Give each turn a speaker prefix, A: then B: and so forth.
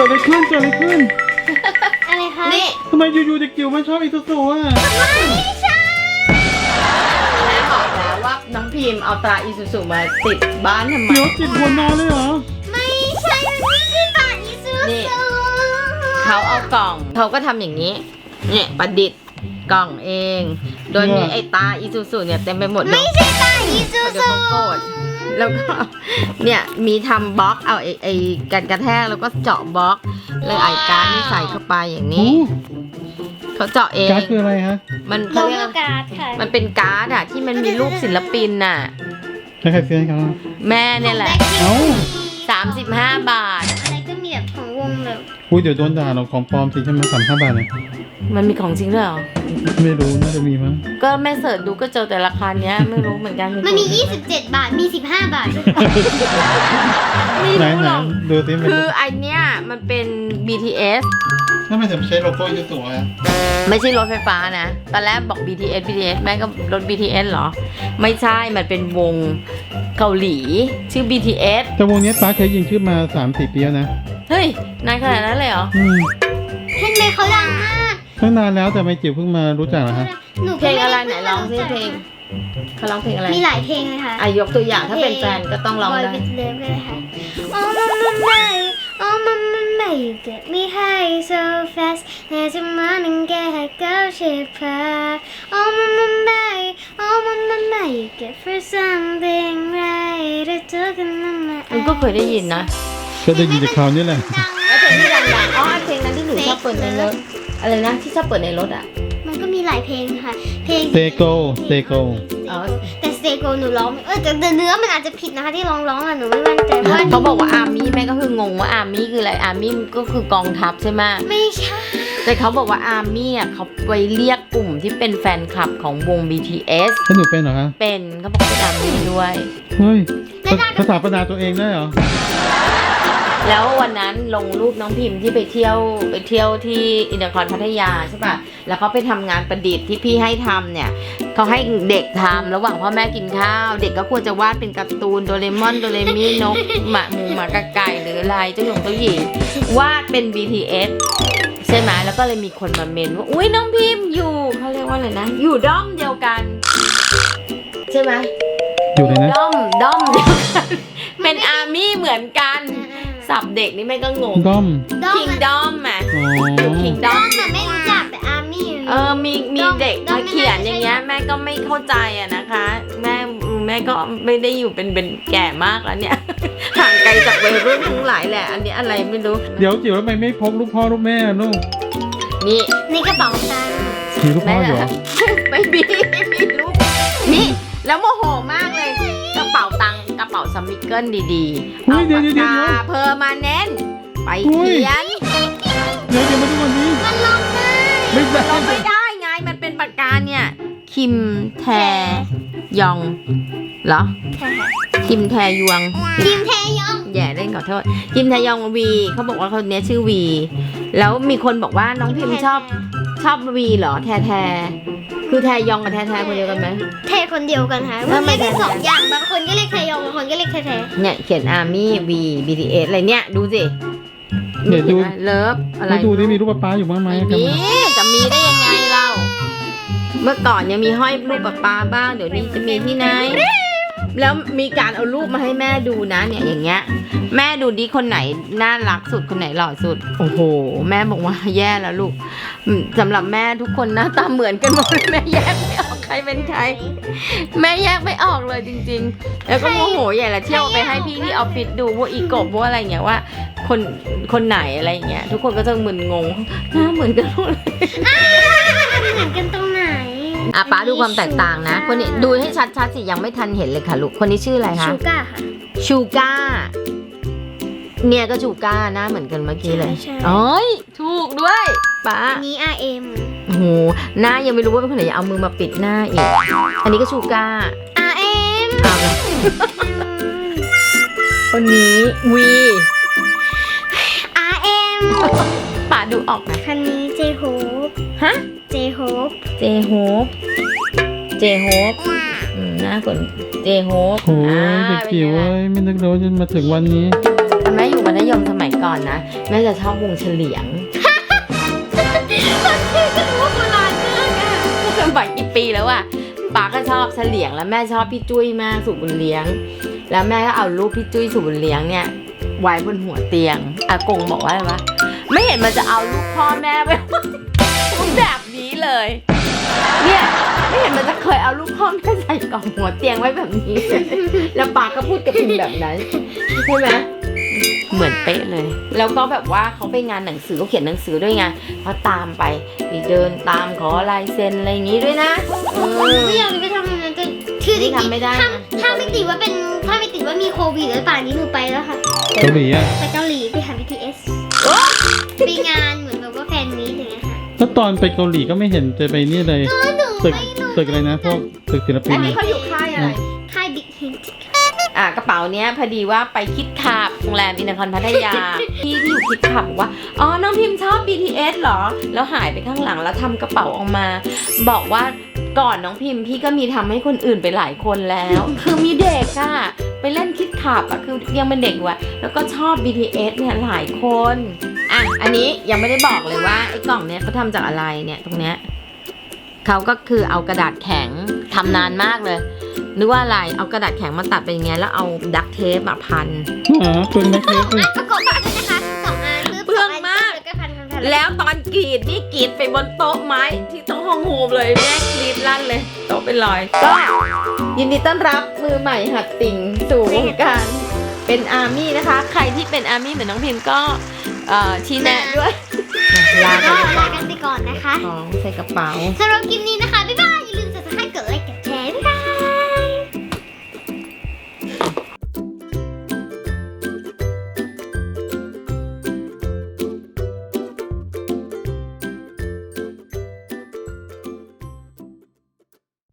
A: อะไรขึ้น
B: อะไรคะ
C: นี่
A: ทำไมอยู่ๆเด็กจิ๋วมันชอบอีซูซูอ่ะ
B: ไม่ใช่
C: แม่บอกแล้วว่าน้องพิมพ์เอาตราอีซูซูมาติดบ้านทำไม
A: เดี๋ยวติดหัวนอนเลยเหรอ
B: ไม่ใช่มันไม่ใช่ตาอีซู
C: นี่
B: ซู
C: เขาเอากล่องเขาก็ทำอย่างนี้เนี่ยประดิษฐ์กล่องเอง โดยมีไอ้ตาอีซูซูเนี่ยเต็มไปหมดเลย
B: ไม่ใช่ตาอีซู
C: เดี๋ยว
B: ซู
C: เขาโกรธแล้วก็เนี่ยมีทำบล็อกเอาไอ้กันกระแทกแล้วก็เจาะบล็อกเลยไอ้การดนี่ใส่เข้าไปอย่างนี้เขาเจาะเอง
A: การ์ดคืออะไรฮะ
C: มัน
B: โล
C: เขาเรีย
B: โก้
C: ก
B: การ์ดค่ะ
C: มันเป็นการ์ดอะที่มันมีรูปศิลปินน่ะ
A: ใครซื้อให้เขา
C: แม่เนี่ยแหละ
A: เอ้า
C: 35 บาท
B: อะไรก็มีแบบของวงแบบ
A: อุ้ยเดี๋ยวโดนด่าเราของปลอมสิใช่ไหม35 บาทเนี่ย
C: มันมีของจริงด้วยเหรอ
A: ไม่รู้น่าจะมีมั้ง
C: ก็แม่เสิร์ชดูก็เจอแต่ราคาเนี้ยไม่รู้เหมือนกัน
B: มันมี27 บาทมี15 บาทด้วย
C: ไม่
A: ไหน
C: รู้หรอก
A: ดูสิมัน
C: คือไอเนี้ยมันเป็น BTS
A: ทำไมถึงใช้โลโก้อีซูซูอ่ะ
C: ไม่ใช่รถไฟฟ้านะ ตอนแรกบอก BTS แม่ก็รถ BTS เหรอ ไม่ใช่ มันเป็นวงเกาหลีชื่อ BTS
A: แต่วงนี้ป้าเคยยิงชื่อมา 3-4 ปีแล้วนะ
C: เฮ้ย นานขนาดนั้นเลยเหรอ
B: เห็นไหมเขาดังมาก
A: ตั้งนานแล้วแต่ไม่จิ๋วเพิ่งมารู้จักเหรอฮะ
B: หนู
C: เพลงอะไรไหนร้องซิเพลงเขาร้องเพลงอะไร
B: มีหลายเพลงเลยค่ะ
C: อายกตัวอย่างถ้าเป็นแฟนก็ต้องร้อง
B: Boy
C: ได้
B: with Love เลยค่ะ Oh mama my Oh mama my you get me high so fast แต่จะมาหนึ่งแกให้เก้าเชิดพา Oh mama my Oh mama my you get for something right ได้เจอกันมา
C: มันก็เคยได้ยินนะ
A: ก็ได้ยินจากเขาวนี่แหละ
B: ดัง
C: แล้วเพลงที่ดังๆอ๋อเพลงนั้นที่หนูชอบเปิดในรถอะไรนะที่ชอบเปิดในรถอ่ะ
B: มันก็มีหลายเพลงค่ะ เพลง
A: Stay Go Stay Go
C: อ๋อ
B: แต่สเตโกหนูร้องแต่เนื้อมันอาจจะผิดนะคะที่ร้องอ่ะหนูไม่มั่นใจว่า
C: เขาบอกว่าอาร์มี่แม่ก็คืองงว่าอาร์มี่คืออะไรอาร์มี่ก็คือกองทัพใช่ไหม
B: ไม่ใช่
C: แต่เขาบอกว่าอาร์มี่อ่ะเขาไปเรียกกลุ่มที่เป็นแฟนคลับของวง BTS
A: ถ้าหนูเป็นเหรอฮะ
C: เป็นเขาบอกเป็นอาร์มี่ด้วย
A: เฮ้ยภาษาปนาตัวเองได้เหรอ
C: แล้ววันนั้นลงรูปน้องพิมพ์ที่ไปเที่ยวที่อินเตอร์คอนพัทยาใช่ป่ะแล้วเขาไปทำงานประดิษฐ์ที่พี่ให้ทำเนี่ยเขาให้เด็กทำระหว่างพ่อแม่กินข้าวเด็กก็ควรจะวาดเป็นการ์ตูนโดเรมอนโดเรมีนกหมาหมูหมากระไก่หรืออะไรเจ้าหนุ่มเจ้าหญิงวาดเป็น BTS ใช่ไหมแล้วก็เลยมีคนมาเมนว่าอุ้ยน้องพิมพ์อยู่เขาเรียกว่าอะไรนะอยู่ด้อมเดียวกันใช่ไหม
A: อยู่เลยนะ
C: ด้อมเดียวกันเป็นอาร์มี่เหมือนกันสับเด็กนี่แม่ก็งง
A: ด้อม
C: คิงดอมอ่ะ
A: อ๋อ
C: คิงด
B: ด้
C: อ
B: อ
C: ม
B: มแต่ไม่รู้จักแต่อาร์มี่
C: มีเด็กมาเขียนอย่างเงี้ยแม่ก็ไม่เข้าใจอะนะคะ แม่ก็ไม่ได้อยู่เป็นแก่มากแล้วเนี่ย ห่างไกลจากวัยรุ่นทั้งหลายแหละ อันนี้อะไรไม่รู้
A: เดี๋ยวจิ๋วทำไมไม่พกลูกพ่อลูกแม่ลูก
C: นี่
B: ในกระเป๋าตังค์
A: มีลูกพ่ออยู่เหรอ
C: ไม่มีลูกนี่แล้วโมโหมากเลยกระเป๋าตังค์กระเป๋าสมิเกิลดีๆเอาปากกาเพอร์มาเน้นไปเขียน
A: เดี๋ยวมาดูวันนี้
B: มันลงได้
A: ไม่ได้
C: เราไม่ได้ไงมันเป็นปากกาเนี่ยคิมแทยองเหรอคิมแทยอง
B: ทีมแทยอง
C: แย่เล่นขอโทษคิมแทยองวีเขาบอกว่าคนนี้ชื่อวีแล้วมีคนบอกว่าน้องพิมชอบวีเหรอแทคือแทยองกับแทคนเดียวกันไหม
B: แทคนเดียวกันค่ะ
C: แล้วไม่
B: มันเรียกได้สองอย่างบางคนก็เรียกแทยองบางคนก็เรียกแท
C: เนี่ยเขียนอาร์มี่วีBTS อะไรเนี่ยดูสิ
A: เดี๋ยวดู
C: เลิฟอะไร
A: ไม่ดูที่มีรูปป้าอยู่บ้างไหม
C: ไม่
A: ครับ
C: มีจะมีได้ยังไงเรา เมื่อก่อนยังมีห้อยรูปป้าบ้างเดี๋ยวนี้จะมีที่ไหน แล้วมีการเอารูปมาให้แม่ดูนะเนี่ยอย่างเงี้ยแม่ดูดิคนไหนน่ารักสุดคนไหนหล่อสุดโอ้โหแม่บอกว่าแย่แล้วลูกสำหรับแม่ทุกคนหน้าตาเหมือนกันหมดแม่แยกไม่ออกใครเป็นใครแม่แยกไม่ออกเลยจริงๆแล้วก็โมโหใหญ่ละเที่ยวไปให้พี่ที่ออฟฟิศดูว่าอีกบว่าอะไรเงี้ยว่าคนไหนอะไรเงี้ยทุกคนก็จะมึนงงหน้าเหมือนกันหมดเลย
B: เหมือนกันตรงไหน
C: อ่ะป้าดูความแตกต่างนะคนนี้ดูให้ชัดๆสิยังไม่ทันเห็นเลยค่ะลูกคนนี้ชื่ออะไรคะ
B: ชูก้าค่ะ
C: ชูก้าเนี่ยก็ชูก้าหน้าเหมือนกันเมื่อกี้เลย
B: ใช่
C: โอ้ยถูกด้วยป้า
B: อันนี้ RM
C: โอ้โหหน้ายังไม่รู้ว่าเป็นคนไหนอย่าเอามือมาปิดหน้าอีกอันนี้ก็ชูก้า
B: RM
C: เอาละคนนี้วี
B: RM
C: ป้าดูออกไหม
B: คันนี้เจโฮป
C: ฮะ
B: เจโฮป
C: เจโฮปหน้าคนเจโฮป
A: โอ้ยเด็กจิ๋วเว้ยไม่นึกเลยว่าจะมาถึงวันนี้
C: แม่อยู่มัธยมสมัยก่อนอนนะแม่จะชอบวงเฉลียง
B: ก็รู้ว่าโบราณมากอ่ะ
C: สมัยกี่ปีแล้วอะป๋าก็ชอบเฉลียงแล้วแม่ชอบพี่จุ้ยมากสุบุญเลี้ยง แล้วแม่ก็เอารูปพี่จุ้ยสุบุญเลี้ยงเนี่ยไว้บนหัวเตียงอากงบอกว่าอะไรวะไม่เห็นมันจะเอารูปพ่อแม่ไว้ แบบนี้เลย เนี่ยไม่เห็นมันจะเคยเอารูปพ่อแม่ใส่กล่องหัวเตียงไว้แบบนี้ แล้วป๋าก็พูดกับพิมแบบนั้นใช่ไหมเหมือนเป๊ะเลย แล้วก็แบบว่าเขาไปงานหนังสือเขาเขียนหนังสือด้วยไงเขาตามไปเดินตามขอลายเซ็นอะไรอย่างงี้ด้วยนะ
B: ไม่อยากจะไปทำอย่างนั้นแต่คือจริง
C: ทำไม่ได้
B: ๆ
C: นะ
B: ถ้าไม่ติดว่าเป็นถ้าไม่ติดว่ามีโควิดแล้วป่านนี้หนูไปแล้วค่ะ
A: เกาหลีอ่ะ
B: ไปเกาหลีไปหา BTS ไปงานเหมือนแบบว่าแฟนมีตอย่างเงี้ยค่ะ
A: แล้วตอนไปเกาหลีก็ไม่เห็นจะไปนี่เลยตึกอะไรนะพวกตึกศิลปิ
C: อั
A: น
C: นนี้เขาอยู่ค่ายอะไร
B: ค่าย Big Hint
C: กระเป๋าเนี้ยพอดีว่าไปคิดขับโรงแรมอินทรพัทยา พี่ที่อยู่คิดขับบอกว่าอ๋อน้องพิมพ์ชอบ BTS เหรอแล้วหายไปข้างหลังแล้วทำกระเป๋าออกมา บอกว่าก่อนน้องพิมพ์พี่ก็มีทำให้คนอื่นไปหลายคนแล้ว คือมีเด็กอะไปเล่นคิดขับอะคือยังเป็นเด็กอยู่อะแล้วก็ชอบ BTS เนี่ยหลายคนอ่ะอันนี้ยังไม่ได้บอกเลยว่าไอ้กล่องเนี้ยเขาทำจากอะไรเนี่ยตรงเนี้ยเขาก็คือเอากระดาษแข็งทำนานมากเลยนึกว่าอะไรเอากระดาษแข็งมาตัดเป็นอย่างเงี้ยแล้วเอาดักเทปมาพัน
A: อ๋อเป็นแม็กเทปเลย
B: ประกอบด้วยนะคะ2 อัน
C: เปลืองมาก
B: แล้วก็พัน
C: แล้วตอนกรีดนี่กรีดไปบนโต๊ะไม้ที่ต้องห้องโฮมเลยแม่กรีดลั่นเลยโต๊ะเป็นรอยก็ยินดีต้อนรับมือใหม่หัดติ่งสู่วงการเป็นอาร์มี่นะคะ ใครที่เป็นอาร์มี่เหมือนน้องพิมพ์ก็ชี้แนะด้วยลา
B: ก็
C: ไปก่
B: ลา
C: อน
B: กันไปก่อนนะคะ
C: ของใส่กระเป๋า
B: สำหรับคลิปนี้นะคะบ๊ายบาย